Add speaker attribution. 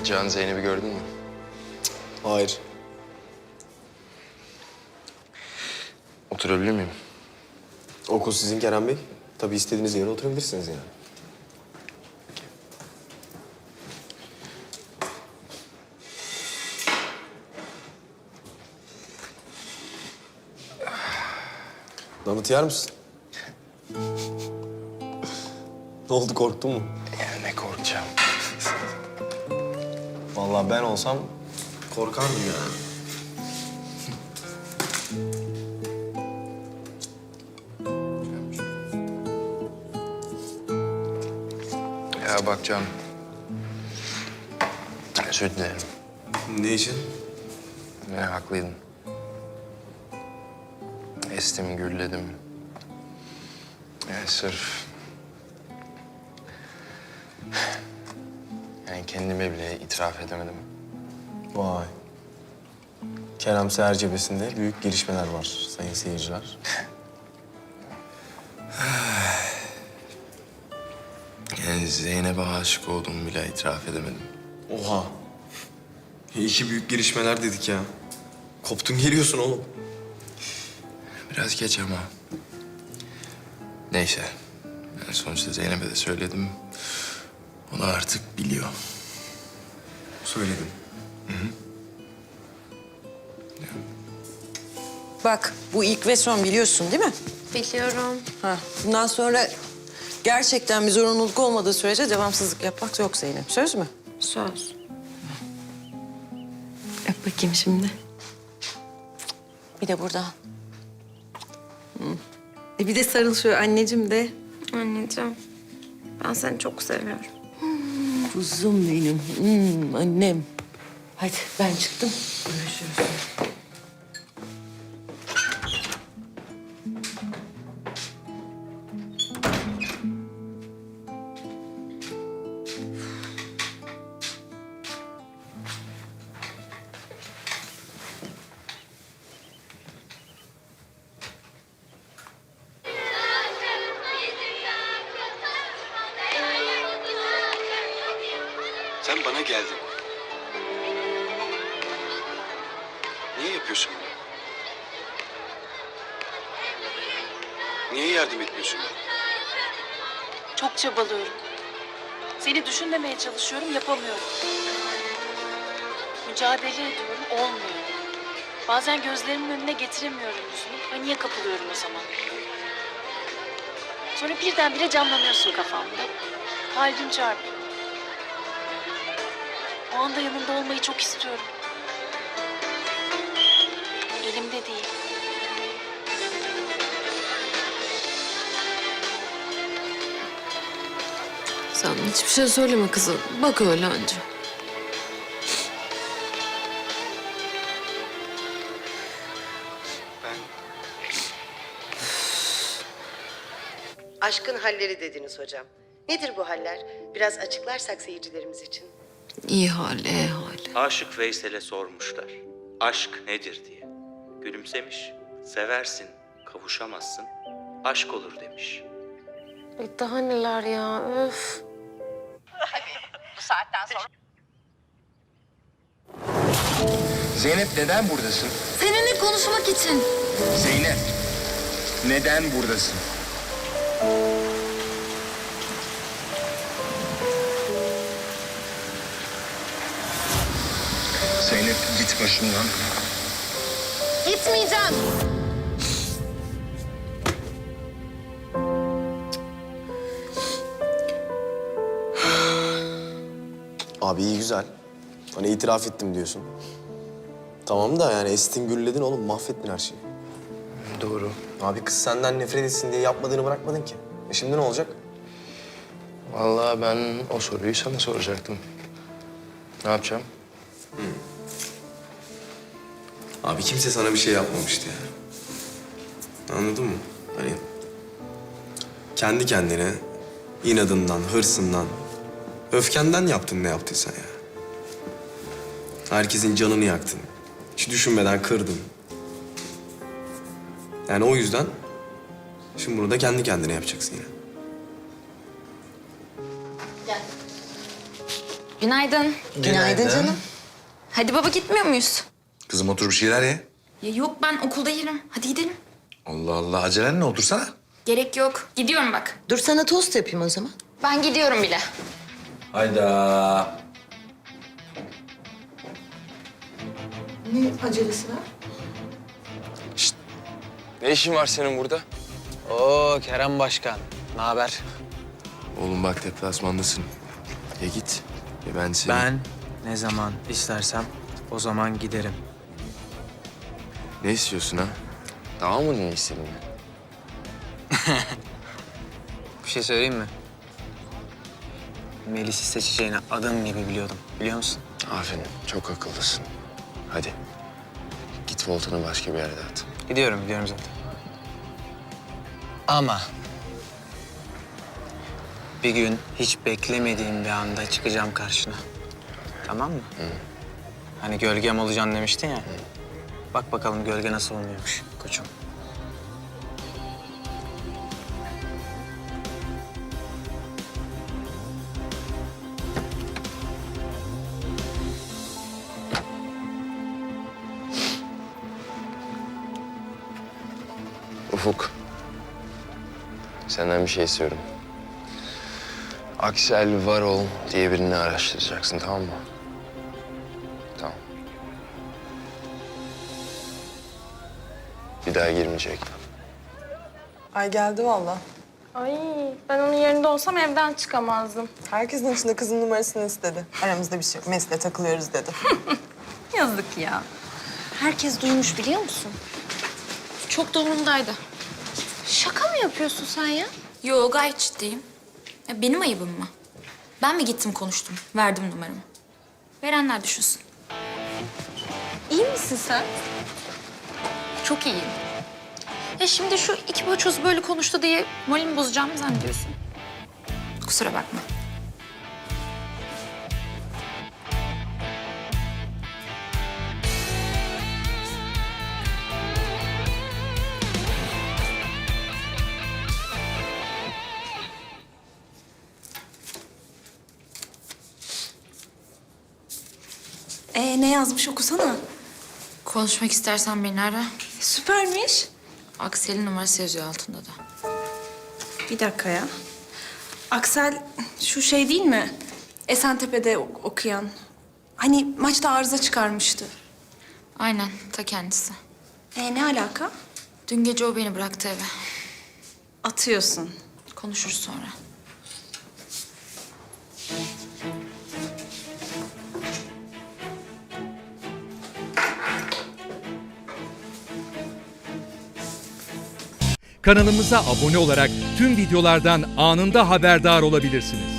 Speaker 1: Can, Zeynep'i gördün mü?
Speaker 2: Hayır.
Speaker 1: Oturabilir miyim?
Speaker 2: Okul sizin Kerem Bey. Tabii istediğiniz yere oturabilirsiniz yani. Donut yer misin? Ne oldu, korktun mu?
Speaker 1: Ya ne korkacağım.
Speaker 2: Vallahi ben olsam korkardım yani.
Speaker 1: Ya bak Can. Özür dilerim.
Speaker 2: Ne için?
Speaker 1: Ben haklıydın. Estim, gürledim. Yani sırf... Yani kendime bile itiraf edemedim.
Speaker 2: Vay. Kerem Seher cephesinde büyük gelişmeler var sayın seyirciler.
Speaker 1: Yani Zeynep'e aşık olduğumu bile itiraf edemedim.
Speaker 2: Oha. İki büyük gelişmeler dedik ya. Koptun geliyorsun oğlum.
Speaker 1: Biraz geç ama. Neyse. Yani sonuçta Zeynep'e de söyledim. O da artık biliyor.
Speaker 2: Söyledim.
Speaker 3: Bak, bu ilk ve son, biliyorsun değil mi?
Speaker 4: Biliyorum.
Speaker 3: Ha, bundan sonra gerçekten bir zorunluluk olmadığı sürece devamsızlık yapmak yok Zeynep. Söz mü?
Speaker 4: Söz. Öp bakayım şimdi.
Speaker 3: Bir de burada.
Speaker 4: Bir de sarıl şöyle anneciğim de. Anneciğim, ben seni çok seviyorum.
Speaker 3: Kuzum benim, annem. Hadi ben çıktım. Görüşürüz.
Speaker 5: Sen bana geldin. Niye yapıyorsun bunu? Niye yardım etmiyorsun bana?
Speaker 6: Çok çabalıyorum. Seni düşünmemeye çalışıyorum, yapamıyorum. Mücadele ediyorum, olmuyor. Bazen gözlerimin önüne getiremiyorum yüzünü. Paniğe kapılıyorum o zaman. Sonra birdenbire canlanıyorsun kafamda. Kalbim çarpıyor. O anda yanında olmayı çok istiyorum. Elimde değil.
Speaker 4: Sen hiçbir şey söyleme kızım. Bak öyle anca.
Speaker 5: Ben
Speaker 7: Aşkın halleri dediniz hocam. Nedir bu haller? Biraz açıklarsak seyircilerimiz için.
Speaker 4: İyi hal, iyi hal.
Speaker 8: Aşık Veysel'e sormuşlar. Aşk nedir diye. Gülümsemiş. Seversin, kavuşamazsın. Aşk olur demiş.
Speaker 4: Daha neler ya, öf.
Speaker 1: Zeynep, neden buradasın?
Speaker 4: Seninle konuşmak için.
Speaker 1: Zeynep, neden buradasın? Zeynep, git başımdan.
Speaker 4: Gitmeyeceğim.
Speaker 2: Abi iyi güzel. Hani itiraf ettim diyorsun. Tamam da yani estin gürledin oğlum, mahvettin her şeyi.
Speaker 1: Doğru.
Speaker 2: Abi kız senden nefret etsin diye yapmadığını bırakmadın ki. Şimdi ne olacak?
Speaker 1: Vallahi ben o soruyu sana soracaktım. Ne yapacağım?
Speaker 2: Abi kimse sana bir şey yapmamıştı yani. Anladın mı? Hani kendi kendine inadından, hırsından, öfkenden yaptın ne yaptıysan ya. Herkesin canını yaktın. Hiç düşünmeden kırdın. Yani o yüzden şimdi bunu da kendi kendine yapacaksın yine.
Speaker 4: Günaydın.
Speaker 3: Günaydın canım.
Speaker 4: Hadi baba gitmiyor muyuz?
Speaker 9: Kızım otur bir şeyler ye.
Speaker 4: Ya yok ben okulda yerim. Hadi gidelim.
Speaker 9: Allah Allah, acelen ne, otursana.
Speaker 4: Gerek yok. Gidiyorum bak.
Speaker 3: Dur sana tost yapayım o zaman.
Speaker 4: Ben gidiyorum bile.
Speaker 9: Hayda.
Speaker 3: Ne acelesi var?
Speaker 1: Ne işin var senin burada?
Speaker 10: Oo Kerem Başkan, ne haber?
Speaker 1: Oğlum bak deplasmandasın. Ya git ya ben seni...
Speaker 10: Ben ne zaman istersem o zaman giderim.
Speaker 1: Ne istiyorsun ha? Daha mı ne istedin?
Speaker 10: Bir şey söyleyeyim mi? Melis'i seçeceğini adım gibi biliyordum, biliyor musun?
Speaker 1: Aferin, çok akıllısın. Hadi. Git voltanı başka bir yerde at.
Speaker 10: Gidiyorum zaten. Ama bir gün hiç beklemediğim bir anda çıkacağım karşına. Tamam mı? Hani gölgem olacaksın demiştin ya. Bak bakalım gölge nasıl olmuyormuş koçum.
Speaker 1: Ufuk. Senden bir şey istiyorum. Aksel Varol diye birini araştıracaksın, tamam mı? Tamam. Bir daha girmeyecek.
Speaker 11: Ay geldi valla.
Speaker 4: Ay ben onun yerinde olsam evden çıkamazdım.
Speaker 11: Herkesin içinde kızın numarasını istedi. Aramızda bir şey yok. Mesle takılıyoruz dedi.
Speaker 4: Yazık ya. Herkes duymuş biliyor musun? Çok da umurumdaydı. Şaka mı yapıyorsun sen ya?
Speaker 12: Yo gayet ciddiyim. Ya benim ayıbım mı? Ben mi gittim konuştum, verdim numaramı? Verenler düşünsün.
Speaker 4: İyi misin sen?
Speaker 12: Çok iyiyim. Ya şimdi şu iki boçoz böyle konuştu diye moralimi bozacağımı zannediyorsun. Kusura bakma.
Speaker 4: Ne yazmış okusana.
Speaker 12: Konuşmak istersen beni ara.
Speaker 4: Süpermiş.
Speaker 12: Aksel'in numarası yazıyor altında da.
Speaker 4: Bir dakika ya. Aksel şu şey değil mi? Esentepe'de okuyan. Hani maçta arıza çıkarmıştı.
Speaker 12: Aynen, ta kendisi.
Speaker 4: Ne alaka?
Speaker 12: Dün gece o beni bıraktı eve.
Speaker 4: Atıyorsun.
Speaker 12: Konuşuruz sonra.
Speaker 13: Kanalımıza abone olarak tüm videolardan anında haberdar olabilirsiniz.